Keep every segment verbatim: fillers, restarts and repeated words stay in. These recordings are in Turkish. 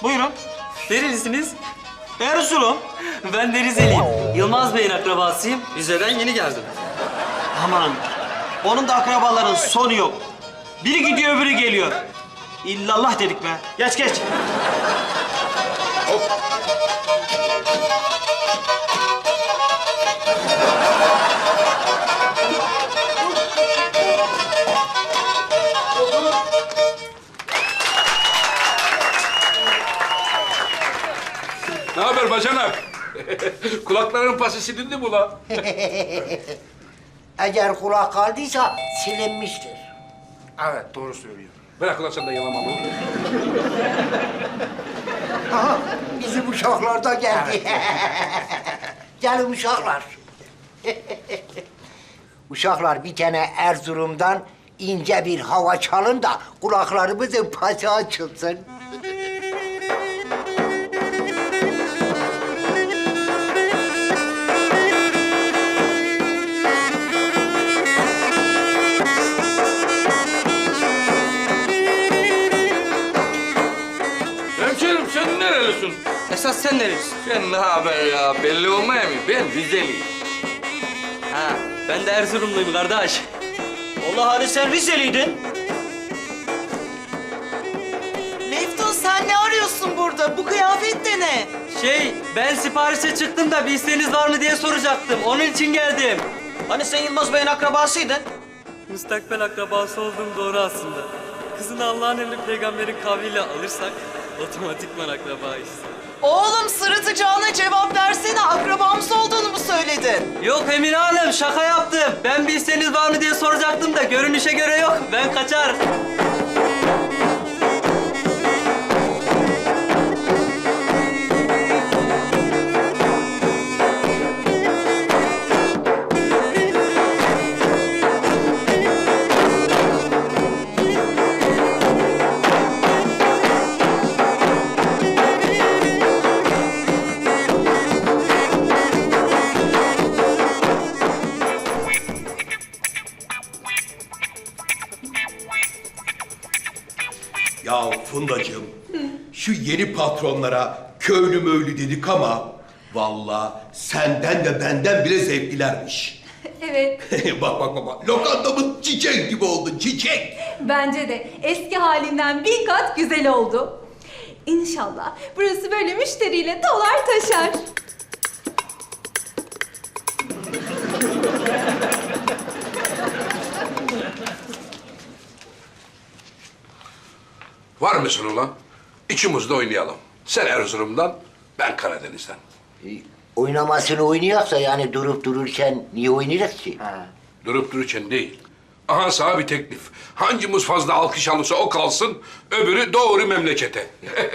Buyurun. Nerelisiniz? Erzurum. Ben de Rizeliyim. Yılmaz Bey'in akrabasıyım. Rize'den yeni geldim. Aman. Onun da akrabaların sonu yok. Biri gidiyor öbürü geliyor. İllallah dedik be. Geç geç. Ne haber bacanak? Kulakların pası silindi mi ulan? Eğer kulak kaldıysa silinmiştir. Evet, doğru söylüyor. Bırak ulan sen de yalamamı. Aha, bizim uşaklar da geldi. Gelin uşaklar. Uşaklar bir tane Erzurum'dan ince bir hava çalın da kulaklarımızın pası açılsın. Hemşerim sen nerelisin? Esas sen nerelisin? Sen ne haber ya? Belli olmaya mı? Ben Rizeliyim. Ha, ben de Erzurumluyum kardeş. Allah hani sen Rizeliydin. Meftun sen ne arıyorsun burada? Bu kıyafet de ne? Şey, ben siparişe çıktım da bir isteğiniz var mı diye soracaktım. Onun için geldim. Hani sen Yılmaz Bey'in akrabasıydın. Müstakbel akrabası olduğum doğru aslında. Kızını Allah'ın emri peygamberin kavliyle alırsak otomatikman akrabayız. Oğlum sırıtacağına cevap versene. Akrabamız olduğunu mu söyledin? Yok Emine Hanım, şaka yaptım. Ben bir isteğiniz var mı diye soracaktım da görünüşe göre yok. Ben kaçar. Ya Fundacığım, şu yeni patronlara köylü möylü dedik ama vallahi senden de benden bile zevklilermiş. Evet, Bak bak bak, bak, lokantamın çiçek gibi oldun, çiçek. bence de eski halinden bin kat güzel oldu. İnşallah burası böyle müşteriyle dolar taşar. Var mısın ulan? İçimizde oynayalım. Sen Erzurum'dan, ben Karadeniz'den. E, oynamasını oynayaksa yani durup dururken niye oynayacak ki? Durup dururken değil. Aha sana bir teklif. Hangimiz fazla alkış alırsa o kalsın, öbürü doğru memlekete.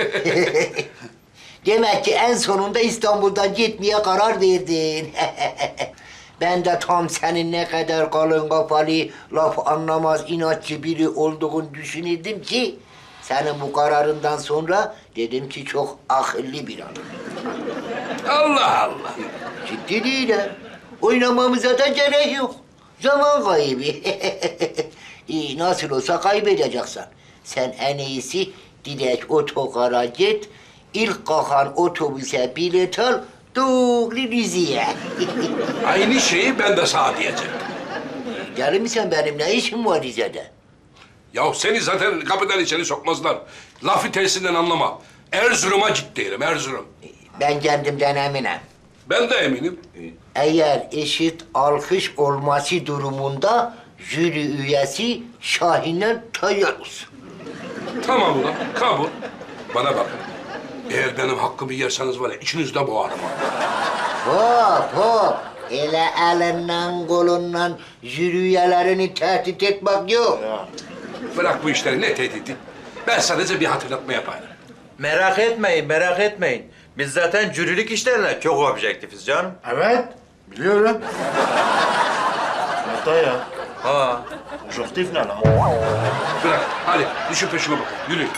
Demek ki en sonunda İstanbul'dan gitmeye karar verdin. Ben de tam senin ne kadar kalın kafalı, laf anlamaz inatçı biri olduğunu düşünürdüm ki... ...senin bu kararından sonra dedim ki çok akıllı bir adam. Allah Allah. Ciddi değilim. Oynamamıza da gerek yok. Zaman kaybı. İyi, nasıl olsa kaybedeceksin. Sen en iyisi direkt otogara git. İlk kalkan otobüse bilet al. Doğru Rize'ye. Aynı şeyi ben de sana diyeceğim. Gelir misin benim? Ne işim var Rize'de? Ya seni zaten kapıdan içeri sokmazlar. Lafı tersinden anlama. Erzurum'a git derim, Erzurum. Ben kendimden eminim. Ben de eminim. Eğer eşit alkış olması durumunda jüri üyesi Şahin'den Tayyarus. Tamam ulan, kabul. Bana bak. Eğer benim hakkımı yerseniz var ya, içinizde boğarım. Hop hop. Ele elinden kolundan jüri üyelerini tehdit etmek yok. Bırak bu işleri, ne tehdidi? Ben sadece bir hatırlatma yaparım. Merak etmeyin, merak etmeyin. Biz zaten jürilik işlerine çok objektifiz canım. Evet, biliyorum. Hatta ya, Ha. objektif ne lan? Bırak, hadi düşün peşime bakın, yürü.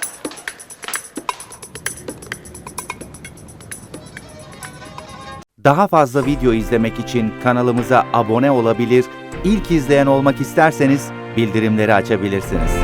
Daha fazla video izlemek için kanalımıza abone olabilir, ilk izleyen olmak isterseniz bildirimleri açabilirsiniz.